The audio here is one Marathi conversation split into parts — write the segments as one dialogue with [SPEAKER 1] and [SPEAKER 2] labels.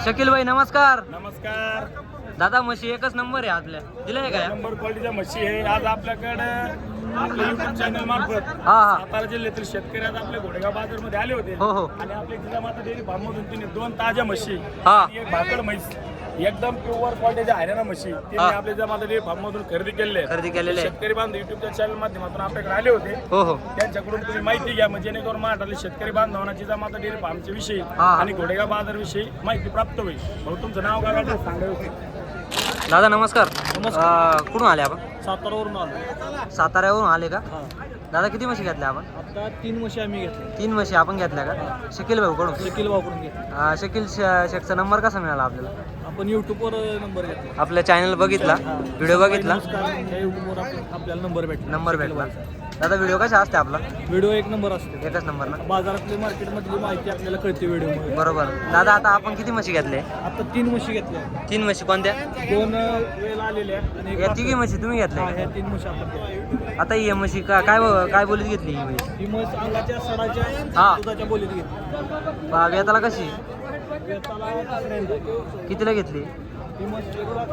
[SPEAKER 1] शकील भाई नमस्कार.
[SPEAKER 2] नमस्कार.
[SPEAKER 1] दादा म्हशी एकच नंबर आहे आपल्या, दिलाय का?
[SPEAKER 2] नंबर क्वालिटीच्या म्हशी आहे. आज आपल्याकडे आपल्या युट्यूब चॅनल मार्फत
[SPEAKER 1] हा हा
[SPEAKER 2] सातारा जिल्ह्यातील शेतकरी आज आपल्या घोडेगाव बाजारमध्ये आले होते.
[SPEAKER 1] हो हो
[SPEAKER 2] आणि आपल्या जिजामाता डेअरी फार्ममधून तिने 2 ताज्या म्हशी
[SPEAKER 1] हा
[SPEAKER 2] आणि एक भाकड म्हैस एकदम प्युअर क्वालिटीच्या हरियाणा म्हशी तिने
[SPEAKER 1] हा.
[SPEAKER 2] आपल्या जिजामाता डेअरी फार्ममधून खरेदी केलेल्या आहेत.
[SPEAKER 1] खरेदी केलेले आहे.
[SPEAKER 2] शेतकरी बांधव युट्यूबच्या चॅनल माध्यमातून आपल्याकडे आले होते.
[SPEAKER 1] हो हो
[SPEAKER 2] त्यांच्याकडून तुम्ही माहिती घ्या म्हणजे जेणेकरून महाराष्ट्रातील शेतकरी बांधवांना जिजामाता डेअरी फार्मच्या विषयी
[SPEAKER 1] हा.
[SPEAKER 2] आणि घोडेगाव बाजार विषयी माहिती प्राप्त होईल. भाऊ तुमचं नाव काय सांगायचं?
[SPEAKER 1] दादा नमस्कार. कुठून आले आपण?
[SPEAKER 3] सातारावरून आलो.
[SPEAKER 1] साताऱ्यावरून आले का?
[SPEAKER 3] हा.
[SPEAKER 1] दादा किती म्हशी घेतल्या आपण?
[SPEAKER 3] आता 3 म्हशी आम्ही घेतल्या.
[SPEAKER 1] 3 म्हशी आपण घेतल्या का? शकील भाऊ कडून.
[SPEAKER 3] शकील वापरून घेतल्या.
[SPEAKER 1] शकील शेखचा नंबर कसा मिळाला आपल्याला?
[SPEAKER 3] आपण युट्यूबवर नंबर घेतला.
[SPEAKER 1] आपल्या चॅनल बघितला, व्हिडिओ बघितला,
[SPEAKER 3] युट्यूबवर आपल्याला नंबर भेटला.
[SPEAKER 1] नंबर भेटला. दादा व्हिडिओ कसा असते आपला?
[SPEAKER 3] व्हिडिओ एक नंबर असतो.
[SPEAKER 1] एकच नंबर ना?
[SPEAKER 3] बाजारातली मार्केटमधली माहिती आपल्याला कळते व्हिडिओ.
[SPEAKER 1] बरोबर. दादा आता आपण किती म्हशी घेतले?
[SPEAKER 3] आता 3 म्हशी घेतल्या.
[SPEAKER 1] 3 म्हशी कोणत्या?
[SPEAKER 3] 2 वेळेला आलेल्या आणि एक
[SPEAKER 1] या तिघी म्हशी तुम्ही घेतल्या?
[SPEAKER 3] ह्या 3 म्हशी आपण घेतल्या.
[SPEAKER 1] आता ही म्हशी काय बोलीत घेतली ही म्हशी?
[SPEAKER 3] ही म्हस अंगाच्या सडाच्या
[SPEAKER 1] हा.
[SPEAKER 3] दुधाच्या बोलीत घेतली.
[SPEAKER 1] वेताला कशी?
[SPEAKER 3] वेताला दुसऱ्यांदा.
[SPEAKER 1] कितीला घेतली?
[SPEAKER 3] ही म्हस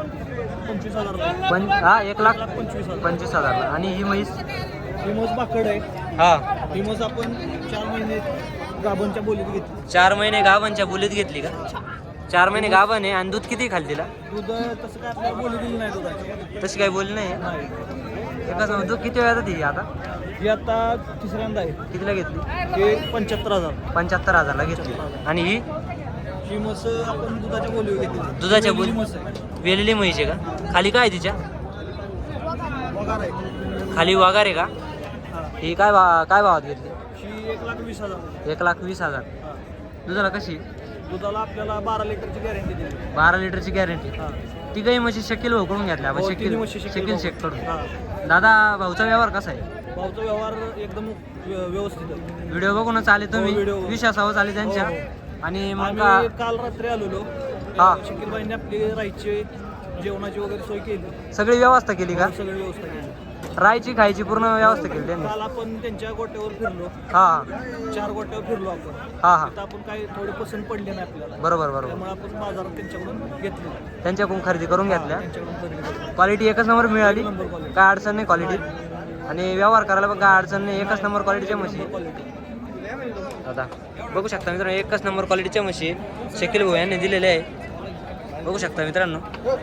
[SPEAKER 3] 1,25,000.
[SPEAKER 1] हा 1,25,000.
[SPEAKER 3] 25,000.
[SPEAKER 1] 25,000. आणि ही म्हैस?
[SPEAKER 3] ही म्हस बाकड आहे.
[SPEAKER 1] हा
[SPEAKER 3] ही म्हस आपण 4 महिने गाभणच्या बोलीत घेतली.
[SPEAKER 1] 4 महिने गाभांच्या बोलीत घेतली का? 4 महिने गाभण आहे. आणि दूध किती खाली तिला?
[SPEAKER 3] दूध तसं काय आपल्याला बोली दिली नाही दुधाची.
[SPEAKER 1] तशी काही बोलली नाही.
[SPEAKER 3] नाही.
[SPEAKER 1] एकच दूध किती वेळा ती आता?
[SPEAKER 3] ही आता तिसऱ्यांदा आहे.
[SPEAKER 1] कितीला घेतली?
[SPEAKER 3] हे 75,000.
[SPEAKER 1] 75,000ला घेतली. आणि ही
[SPEAKER 3] ही म्हस आपण दुधाच्या बोलीवर घेतली.
[SPEAKER 1] दुधाच्या
[SPEAKER 3] वेलेली
[SPEAKER 1] बोली
[SPEAKER 3] म्हस आहे.
[SPEAKER 1] वेलेली म्हैस आहे का? खाली काय आहे तिच्या?
[SPEAKER 3] पगार आहे.
[SPEAKER 1] खाली वाघार आहे का?
[SPEAKER 3] हा.
[SPEAKER 1] ही काय भावात घेतली?
[SPEAKER 3] ही 1,20,000.
[SPEAKER 1] 1,20,000.
[SPEAKER 3] हा.
[SPEAKER 1] दुधाला कशी?
[SPEAKER 3] दुधाला आपल्याला 12 लिटरची गॅरंटी दिली.
[SPEAKER 1] 12 लिटरची गॅरंटी.
[SPEAKER 3] हा.
[SPEAKER 1] ती काही म्हशी शकील भाऊ कडून घेतल्या आपण.
[SPEAKER 3] हो, तिन्ही म्हशी
[SPEAKER 1] शकील शेख कडून.
[SPEAKER 3] हा.
[SPEAKER 1] दादा भाऊचा व्यवहार कसा आहे?
[SPEAKER 3] भाऊचा व्यवहार एकदम व्यवस्थित आहे.
[SPEAKER 1] व्हिडिओ बघूनच आले तुम्ही?
[SPEAKER 3] हो, व्हिडिओ.
[SPEAKER 1] विश्वासावर आले त्यांच्या.
[SPEAKER 3] हो,
[SPEAKER 1] आणि मग
[SPEAKER 3] आम्ही काल रात्री आलेलो.
[SPEAKER 1] हा.
[SPEAKER 3] शकीलबाईंनी आपली राहायची जेवणाची वगैरे सोय केली.
[SPEAKER 1] सगळी व्यवस्था केली का?
[SPEAKER 3] सगळी व्यवस्था केली.
[SPEAKER 1] राहायची खायची पूर्ण व्यवस्था केली त्यांनी?
[SPEAKER 3] काल आपण त्यांच्या गोट्यावर फिरलो.
[SPEAKER 1] हा
[SPEAKER 3] 4 गोट्यावर फिरलो आपण.
[SPEAKER 1] हा हा
[SPEAKER 3] तिथं आपण काही थोडी पसंत पडली नाही आपल्याला.
[SPEAKER 1] बरोबर बरोबर.
[SPEAKER 3] त्यामुळे आपण बाजारात त्यांच्याकडून घेतली.
[SPEAKER 1] त्यांच्याकडून खरेदी करून घेतल्या.
[SPEAKER 3] त्यांच्याकडून खरेदी केली.
[SPEAKER 1] क्वालिटी एकच नंबर मिळाली.
[SPEAKER 3] एक नंबर quality.
[SPEAKER 1] काय अडचण नाही क्वालिटी. आणि व्यवहार करायला पण काय अडचण नाही. एकच नंबर क्वालिटीच्या म्हशी. दादा बघू शकता मित्रांनो, एकच नंबर क्वालिटीच्या म्हशी शकील भाऊ यांनी दिलेले आहे. बघू शकता मित्रांनो.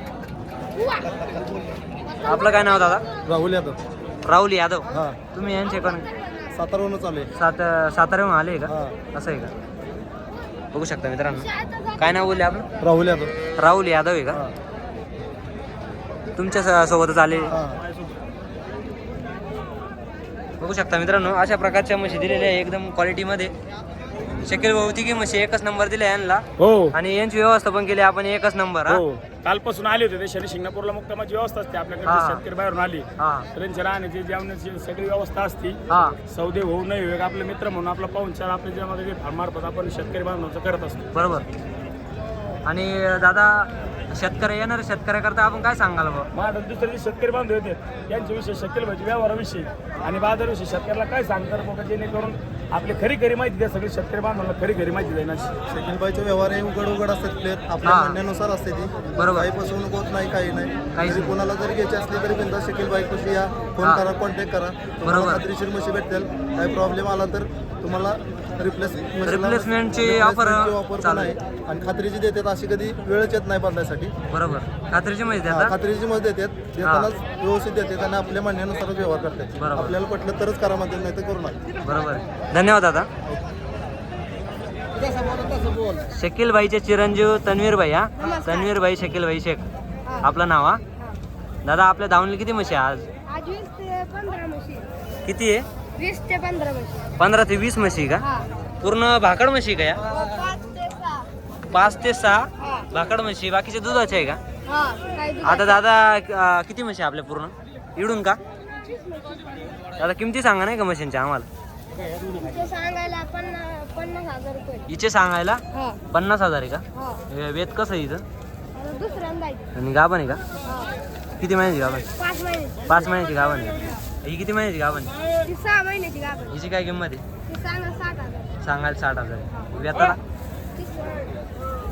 [SPEAKER 1] आपलं काय नाव दादा?
[SPEAKER 3] राहुल यादव.
[SPEAKER 1] राहुल यादव.
[SPEAKER 3] हा.
[SPEAKER 1] तुम्ही यांचे पण
[SPEAKER 3] सातारावरून चालू आहे.
[SPEAKER 1] साताऱ्याहून आले का?
[SPEAKER 3] हा.
[SPEAKER 1] असं आहे का? बघू शकता मित्रांनो. काय नाव बोलले आपण?
[SPEAKER 3] राहुल यादव.
[SPEAKER 1] राहुल यादव आहे का? तुमच्या सोबतच आले. बघू शकता मित्रांनो, अशा प्रकारच्या म्हशी दिलेल्या आहे एकदम क्वालिटीमध्ये. शकील भाऊ तिघी म्हशी एकच नंबर दिले यांना.
[SPEAKER 2] हो.
[SPEAKER 1] आणि यांची व्यवस्था पण केली आपण एकच नंबर. हा
[SPEAKER 2] हो. कालपासून आले होते ते शनी शिंगणापूरला मुक्कामाची व्यवस्था असते आपल्याकडे.
[SPEAKER 1] हा.
[SPEAKER 2] शेतकरी बाहेरून आली
[SPEAKER 1] हा
[SPEAKER 2] तर त्यांच्या राहण्याची जेवणाची सगळी व्यवस्था असते.
[SPEAKER 1] हा
[SPEAKER 2] सौदे होऊ नये आपले मित्र म्हणून आपला पाहुणचार आपल्या ज्यामध्ये फार्मार्फत आपण शेतकरी बांधवांचं करत असतो.
[SPEAKER 1] बरोबर. आणि दादा शेतकरी येणारे शेतकऱ्याकरता आपण काय सांगाल बा?
[SPEAKER 2] महाराष्ट्रात दुसरे जे शेतकरी बांधव येतात यांच्याविषयी शकील भाईच्या व्यवहाराविषयी आणि बाजाराविषयी शेतकऱ्याला काय सांगतात बघा, जेणेकरून आपली खरी माहिती द्या. सगळी शेतकरी बांधवांना खरी माहिती देणार.
[SPEAKER 3] शकीलबाईचे व्यवहार हे उघड असतात. क्लिअर आपल्या
[SPEAKER 1] हा.
[SPEAKER 3] म्हणण्यानुसार असते ती.
[SPEAKER 1] बरोबर.
[SPEAKER 3] काही फसवणूक होत नाही, काही नाही.
[SPEAKER 1] काहीच
[SPEAKER 3] जरी कोणाला जरी घ्यायची असली तरी बिंदास शकीलबाई कशी या फोन
[SPEAKER 1] हा.
[SPEAKER 3] करा, कॉन्टॅक्ट करा.
[SPEAKER 1] बरोबर.
[SPEAKER 3] तुम्हाला खात्रीशीर म्हशी भेटेल. काही प्रॉब्लेम आला तर तुम्हाला
[SPEAKER 1] रिप्लेसमेंटची ऑफर
[SPEAKER 3] पण
[SPEAKER 1] चालू
[SPEAKER 3] आहे. आणि खात्रीची देतात, अशी कधी वेळच येत नाही बदलायसाठी.
[SPEAKER 1] बरोबर. खात्रीची माहिती
[SPEAKER 3] हा,
[SPEAKER 1] द्या.
[SPEAKER 3] खात्रीची मत देतात. देतानाच व्यवस्थित देतात आणि आपल्या म्हणण्यानुसारच व्यवहार करतात.
[SPEAKER 1] बरोबर.
[SPEAKER 3] आपल्याला पटलं तरच करा म्हणतात, नाही तर करू नका.
[SPEAKER 1] बरोबर. धन्यवाद दादा. शकील भाईचे चिरंजीव तन्वीर भाई. हा तन्वीर भाई शकील भाई शेख आपलं नाव. हा दादा आपल्या धावणीला किती म्हशी आहे आज?
[SPEAKER 4] आज 20 ते 15 म्हशी.
[SPEAKER 1] किती आहे?
[SPEAKER 4] 20 ते 15 म्हशी.
[SPEAKER 1] 15 ते 20 म्हशी का?
[SPEAKER 4] हा.
[SPEAKER 1] पूर्ण भाकड म्हशी का या?
[SPEAKER 4] 5 ते 6.
[SPEAKER 1] 5 ते 6
[SPEAKER 4] हा.
[SPEAKER 1] भाकड म्हशी. बाकीचे दुधाचे आहे का?
[SPEAKER 4] हा. काय दूध?
[SPEAKER 1] आता दादा किती म्हशी आपल्या पूर्ण इडून का?
[SPEAKER 4] 25 म्हशी.
[SPEAKER 1] दादा किमती सांगा नाही का म्हशींच्या आम्हाला?
[SPEAKER 4] तुमचे सांगायला 50,000 रुपये.
[SPEAKER 1] हिचे सांगायला
[SPEAKER 4] हा.
[SPEAKER 1] 50,000 आहे का?
[SPEAKER 4] हा.
[SPEAKER 1] वेत कसं आहे हिचं?
[SPEAKER 4] आता दुसऱ्यांदा आहे.
[SPEAKER 1] आणि गाभण आहे का?
[SPEAKER 4] हा.
[SPEAKER 1] किती महिन्याची गाभण?
[SPEAKER 4] 5 महिन्याची.
[SPEAKER 1] 5 महिन्याची गाभण आहे. ही किती महिन्याची गाभण आहे?
[SPEAKER 4] ती 6 महिन्याची गाभण.
[SPEAKER 1] हिची काय किंमत आहे?
[SPEAKER 4] ती सांगा 60,000.
[SPEAKER 1] सांगायला 60,000. वेताला
[SPEAKER 4] ती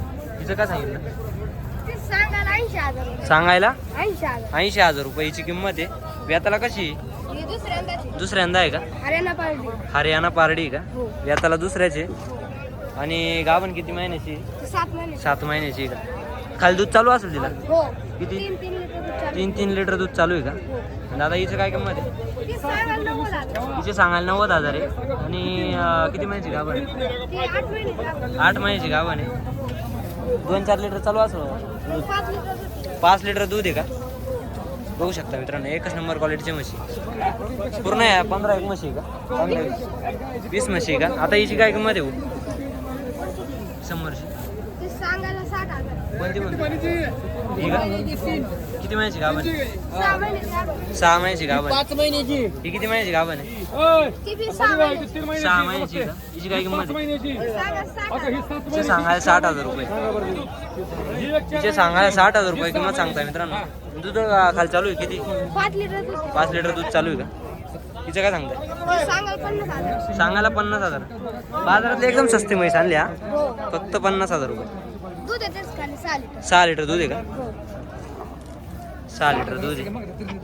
[SPEAKER 1] हिचं काय सांगितलं?
[SPEAKER 4] ते सांगायला 80,000 रुपये.
[SPEAKER 1] सांगायला
[SPEAKER 4] 80,000.
[SPEAKER 1] 80,000 रुपयाची किंमत आहे. व्याताला कशी?
[SPEAKER 4] ही दुसऱ्यांदाची.
[SPEAKER 1] दुसऱ्यांदा आहे का?
[SPEAKER 4] हरियाणा पार्टी.
[SPEAKER 1] हरियाणा पारडी का?
[SPEAKER 4] हो.
[SPEAKER 1] व्याताला दुसऱ्याचे. आणि गाभण किती महिन्याची?
[SPEAKER 4] ते 7 महिने.
[SPEAKER 1] 7 महिन्याची आहे का? खाली दूध चालू असेल तिला?
[SPEAKER 4] हो.
[SPEAKER 1] किती?
[SPEAKER 4] 3 लिटर दूध चालू.
[SPEAKER 1] 3 लिटर दूध चालू आहे का?
[SPEAKER 4] हो.
[SPEAKER 1] दादा हिचं काय किंमत आहे?
[SPEAKER 4] ते सांगायला 90,000.
[SPEAKER 1] हिचे सांगायला 90,000 आहे. आणि किती महिन्याची गाभण आहे?
[SPEAKER 4] ते 8 महिने लागले.
[SPEAKER 1] 8 महिन्याची गाभण आहे. 2-4 लिटर चालू असेल दूध.
[SPEAKER 4] 5 लिटर दूध.
[SPEAKER 1] 5 लिटर दूध आहे का? बघू शकता मित्रांनो, एकच नंबर क्वालिटीची म्हशी. पूर्ण आहे 15 म्हशी आहे का? 15-20 म्हशी आहे का? आता हिची काय किंमत आहे? समोरची
[SPEAKER 4] ते सांगायला 60,000.
[SPEAKER 1] कोणती म्हणते? ही का? किती महिन्याची गाभण आहे?
[SPEAKER 4] 6 महिने लागले.
[SPEAKER 1] 6 महिन्याची गाभण आहे.
[SPEAKER 3] 5 महिन्याची
[SPEAKER 1] ही किती महिन्याची गाभण आहे?
[SPEAKER 4] ती बी 6 महिने.
[SPEAKER 1] 6 महिन्याची का? हिची काय किंमत आहे?
[SPEAKER 4] सांगा 60,000.
[SPEAKER 1] हिचे सांगायला 60,000 रुपये. हिचे सांगायला 60,000 रुपये किंमत सांगताय मित्रांनो. दूध खाली चालू आहे किती?
[SPEAKER 4] 5 लिटर दूध.
[SPEAKER 1] 5 लिटर दूध चालू आहे का? हिचं काय सांगताय?
[SPEAKER 4] ते सांगायला 50,000.
[SPEAKER 1] सांगायला 50,000. बाजारातले एकदम स्वस्त म्हैस आणली हा.
[SPEAKER 4] हो.
[SPEAKER 1] फक्त 50,000 रुपये.
[SPEAKER 4] दूध येतेच खाली 6 लिटर.
[SPEAKER 1] 6 लिटर दूध आहे का?
[SPEAKER 4] हो.
[SPEAKER 1] 6 लिटर दूध आहे.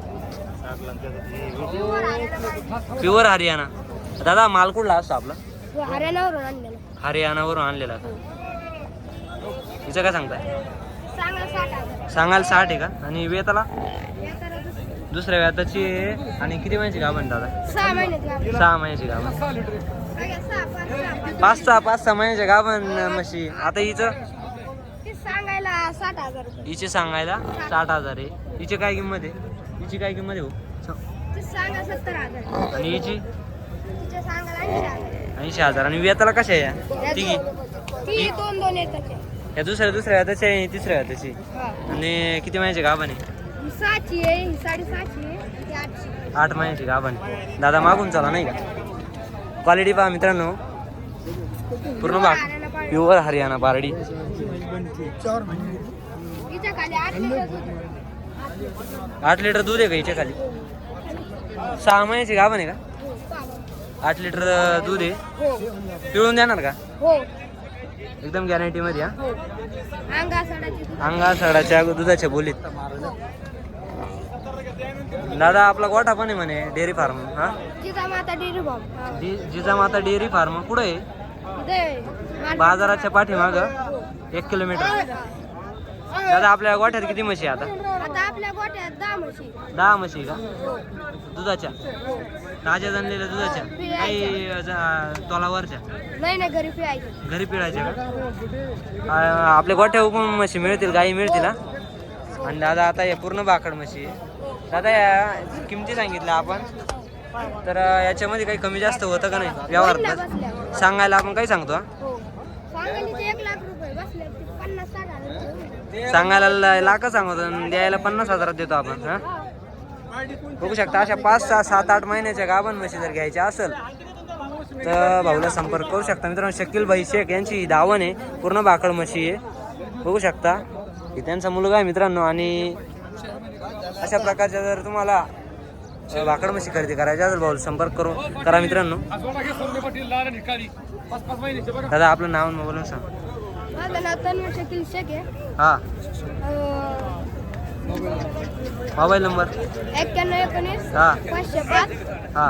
[SPEAKER 4] Pure Haryana party.
[SPEAKER 1] Pure Haryana. दादा माल कुठला असतो आपला?
[SPEAKER 4] हो, हरियाणावरून आणलेलं.
[SPEAKER 1] हरियाणावरून आणलेला का? हिचं काय सांगताय?
[SPEAKER 4] सांगा 60,000.
[SPEAKER 1] सांगायला 60 आहे का? आणि वेताला?
[SPEAKER 4] येताना दुसरं.
[SPEAKER 1] दुसऱ्या व्याताची आहे. आणि किती महिन्याची गाभण दादा?
[SPEAKER 4] 6 महिन्यात लागले.
[SPEAKER 1] 6 महिन्याची गाभण.
[SPEAKER 4] सगळ्या 6, 5, 6.
[SPEAKER 1] 5-6 महिन्याच्या गाभण म्हशी. आता हिचं?
[SPEAKER 4] ते सांगायला 60,000 रुपये.
[SPEAKER 1] हिचे सांगायला 60,000 आहे. हिची काय किंमत आहे? हिची काय किंमत आहे हो?
[SPEAKER 4] ते सांगा 70,000.
[SPEAKER 1] आणि हिची
[SPEAKER 4] तिच्या सांगायला 80,000.
[SPEAKER 1] 80,000. आणि वेताला कशा आहे या? तिघी?
[SPEAKER 4] ती 2 येतात.
[SPEAKER 1] या दुसऱ्या व्याताची आहे आणि तिसऱ्या व्याताची.
[SPEAKER 4] हा.
[SPEAKER 1] आणि किती महिन्याची गाभण आहे?
[SPEAKER 4] ही 6ची आहे, ही 6.5ची आहे, ती 8ची.
[SPEAKER 1] 8 महिन्याची गाभण. दादा मागून चला नाही का? क्वालिटी पहा मित्रांनो, पूर्ण भाग
[SPEAKER 4] हरियाणा पार्टी.
[SPEAKER 1] प्युअर हरियाणा पारडी.
[SPEAKER 3] 4 महिने.
[SPEAKER 4] हिच्या खाली 8 लिटर दूध.
[SPEAKER 1] 8 लिटर दूध आहे का हिच्या खाली? 6 महिन्याची गाभण आहे का?
[SPEAKER 4] हो, पाहा.
[SPEAKER 1] 8 लिटर दूध आहे.
[SPEAKER 4] हो.
[SPEAKER 1] पिळून देणार का?
[SPEAKER 4] हो.
[SPEAKER 1] एकदम गॅरंटी मध्ये हा.
[SPEAKER 4] हो. अंगासडाची दूध.
[SPEAKER 1] अंगा सडाच्या दुधाच्या बोलीत. दादा आपला गोठा पण आहे म्हणे डेअरी फार्म हा?
[SPEAKER 4] Jijamata dairy farm. हा.
[SPEAKER 1] जिजामाता डेअरी फार्म कुठे आहे?
[SPEAKER 4] इथे
[SPEAKER 1] बाजाराच्या पाठीमाग 1 किलोमीटर. दादा आपल्या गोठ्यात किती म्हशी आहे आता?
[SPEAKER 4] आता आपल्या गोट्यात 10 म्हशी.
[SPEAKER 1] 10 म्हशी का?
[SPEAKER 4] हो.
[SPEAKER 1] दुधाच्या?
[SPEAKER 4] हो.
[SPEAKER 1] ताज्या जनलेल्या दुधाच्या? काही तोलावरच्या?
[SPEAKER 4] नाही नाही, घरी पिळायची.
[SPEAKER 1] घरी पिळायच्या का? आपल्या गोठ्यावर पण म्हशी मिळतील, गाई मिळतील हा? आणि दादा आता हे पूर्ण भाकड म्हशी आहे. दादा या किमती सांगितल्या आपण, तर याच्यामध्ये काही कमी जास्त होतं का नाही व्यवहारात?
[SPEAKER 4] बसल्या.
[SPEAKER 1] सांगायला आपण काही सांगतो हा?
[SPEAKER 4] हो. सांगायला ते 1 लाख रुपये बसले, ते 50-60 हजार.
[SPEAKER 1] सांगायला लाख सांगतो आणि द्यायला 50,000 देतो आपण हा? बघू शकता अशा 5-6-7-8 महिन्याच्या गाभण म्हशी जर घ्यायच्या असेल तर भाऊला संपर्क करू शकता मित्रांनो. शकील भाई शेख यांची ही दावण आहे, पूर्ण भाकड म्हशी आहे. बघू शकता ही त्यांचा मुलगा आहे मित्रांनो. आणि अशा प्रकारच्या जर तुम्हाला भाकड म्हशी खरेदी करायच्या असेल भाऊला संपर्क करा मित्रांनो. दादा आपलं नाव बोलून सांग.
[SPEAKER 4] माझं नाव तन्मय शकील शेख आहे.
[SPEAKER 1] हा, मोबाईल नंबर?
[SPEAKER 4] 91-19
[SPEAKER 1] हा
[SPEAKER 4] 505.
[SPEAKER 1] हा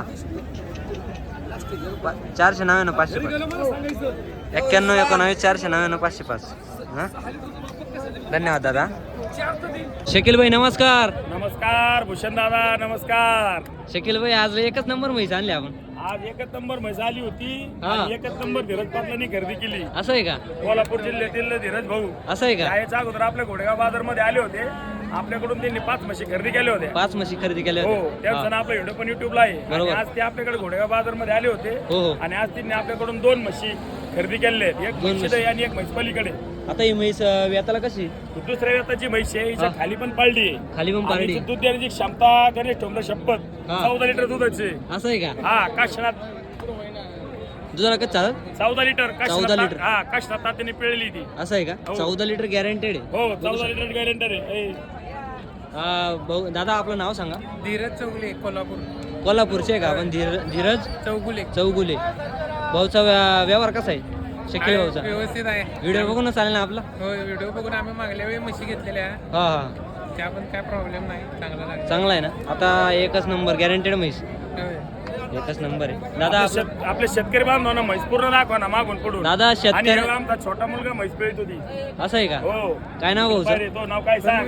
[SPEAKER 1] 499 505. 91-19 499 505. हां, धन्यवाद दादा. शकील भाई नमस्कार.
[SPEAKER 2] नमस्कार भूषण दादा, नमस्कार.
[SPEAKER 1] शकील भाई आज एकच नंबर म्हैस आणली आपण.
[SPEAKER 2] आज एकच नंबर म्हैस आली होती
[SPEAKER 1] हा.
[SPEAKER 2] आणि एकच नंबर धीरज पाटलांनी खरेदी केली.
[SPEAKER 1] असं आहे का?
[SPEAKER 2] कोल्हापूर जिल्ह्यातील धीरज भाऊ
[SPEAKER 1] असं आहे का?
[SPEAKER 2] याच्या अगोदर आपल्या घोडेगाव बाजार मध्ये आले होते. आपल्याकडून त्यांनी 5 म्हशी खरेदी केल्या होत्या.
[SPEAKER 1] 5 म्हशी खरेदी केल्या
[SPEAKER 2] हो,
[SPEAKER 1] होत्या.
[SPEAKER 2] त्यांचा आपला व्हिडिओ पण युट्यूबला आहे. आणि
[SPEAKER 1] बरोबर.
[SPEAKER 2] आज ते आपल्याकडे घोडेगाव बाजार मध्ये आले होते.
[SPEAKER 1] हो हो.
[SPEAKER 2] आणि आज त्यांनी आपल्याकडून 2 म्हशी खरेदी केलेल्या आहेत. एक
[SPEAKER 1] 2
[SPEAKER 2] म्हशी
[SPEAKER 1] म्हशी.
[SPEAKER 2] आणि एक म्हैस पलीकडे.
[SPEAKER 1] आता ही म्हैस व्याताला कशी?
[SPEAKER 2] दुसऱ्या व्यताची म्हैस आहे, हिच्या
[SPEAKER 1] हा.
[SPEAKER 2] खाली पण पाळली आहे.
[SPEAKER 1] खाली पण
[SPEAKER 2] आणि
[SPEAKER 1] पारडी.
[SPEAKER 2] हिची दूध देण्याची क्षमता गणेश ठोंबरे शपथ
[SPEAKER 1] हा.
[SPEAKER 2] 14 लिटर दुधाची.
[SPEAKER 1] असं आहे का?
[SPEAKER 2] हा, काशनात
[SPEAKER 1] दुधाला कसं चालत?
[SPEAKER 2] 14 लिटर
[SPEAKER 1] 14 लिटर.
[SPEAKER 2] हा, काशनात तात्याने पिळली ती.
[SPEAKER 1] असं आहे का?
[SPEAKER 2] हो.
[SPEAKER 1] 14 लिटर गॅरंटेड आहे.
[SPEAKER 2] हो, 14 लिटर गॅरंटर आहे. ए,
[SPEAKER 1] दादा आपलं नाव सांगा.
[SPEAKER 5] धीरज चौगुले, कोल्हापूर.
[SPEAKER 1] कोल्हापूरचे आहे का आपण? धीरज
[SPEAKER 5] चौगुले.
[SPEAKER 1] चौगुले. भाऊचा व्यवहार कसा आहे? शकील भाऊचा
[SPEAKER 5] व्यवस्थित आहे.
[SPEAKER 1] व्हिडिओ बघून चालेल ना आपला?
[SPEAKER 5] हो, व्हिडिओ बघून आम्ही मागल्या वेळी म्हशी घेतलेल्या
[SPEAKER 1] हा हा
[SPEAKER 5] त्या पण काय प्रॉब्लेम नाही, चांगला लागला.
[SPEAKER 1] चांगला आहे ना आता एकच नंबर गॅरंटेड म्हैस
[SPEAKER 5] होय.
[SPEAKER 1] एकच नंबर आहे दादा आपलं
[SPEAKER 2] आपले शेतकरी बांधवांना म्हैस पूर्ण दाखवा ना मागून पडून.
[SPEAKER 1] दादा
[SPEAKER 2] आणि
[SPEAKER 1] शेतकरी
[SPEAKER 2] ह्याला आमचा छोटा मुलगा म्हैस पिळत होती.
[SPEAKER 1] असं आहे का
[SPEAKER 2] हो
[SPEAKER 1] काय नाव भाऊचं
[SPEAKER 2] बरे, तो नाव काय सांग.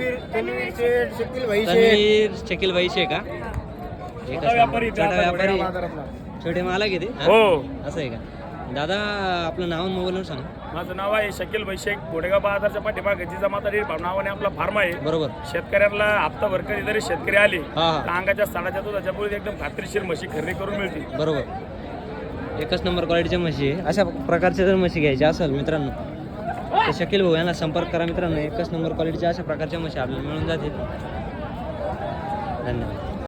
[SPEAKER 1] तन्वीर शकील भाईशे का एकच
[SPEAKER 2] छोटा व्यापारी,
[SPEAKER 1] नंबर. छोटा व्यापारी
[SPEAKER 2] बाजारातला.
[SPEAKER 1] छोटे मालक आहे ते हा?
[SPEAKER 2] हो
[SPEAKER 1] असं आहे का दादा आपलं नाव आणि मोबाईल नंबर सांगा
[SPEAKER 2] माझं नाव आहे शकील शेख घोडेगाव बाजारच्या पाठीमागे जिजामाता डेअरी फार्म नावाने आपला फार्म आहे.
[SPEAKER 1] बरोबर
[SPEAKER 2] शेतकऱ्यांना हप्ताभर कधीतरी शेतकरी आले
[SPEAKER 1] हा हा
[SPEAKER 2] तर अंगाच्या साडाच्या दुधाच्या पुढे एकदम खात्रीशीर म्हशी खरेदी करून मिळते.
[SPEAKER 1] बरोबर एकच नंबर क्वालिटीच्या म्हशी आहे अशा प्रकारच्या जर म्हशी घ्यायच्या असेल मित्रांनो तर शकील भाऊ यांना संपर्क करा मित्रांनो एकच नंबर क्वालिटीच्या अशा प्रकारच्या म्हशी आपल्याला मिळून जातील धन्यवाद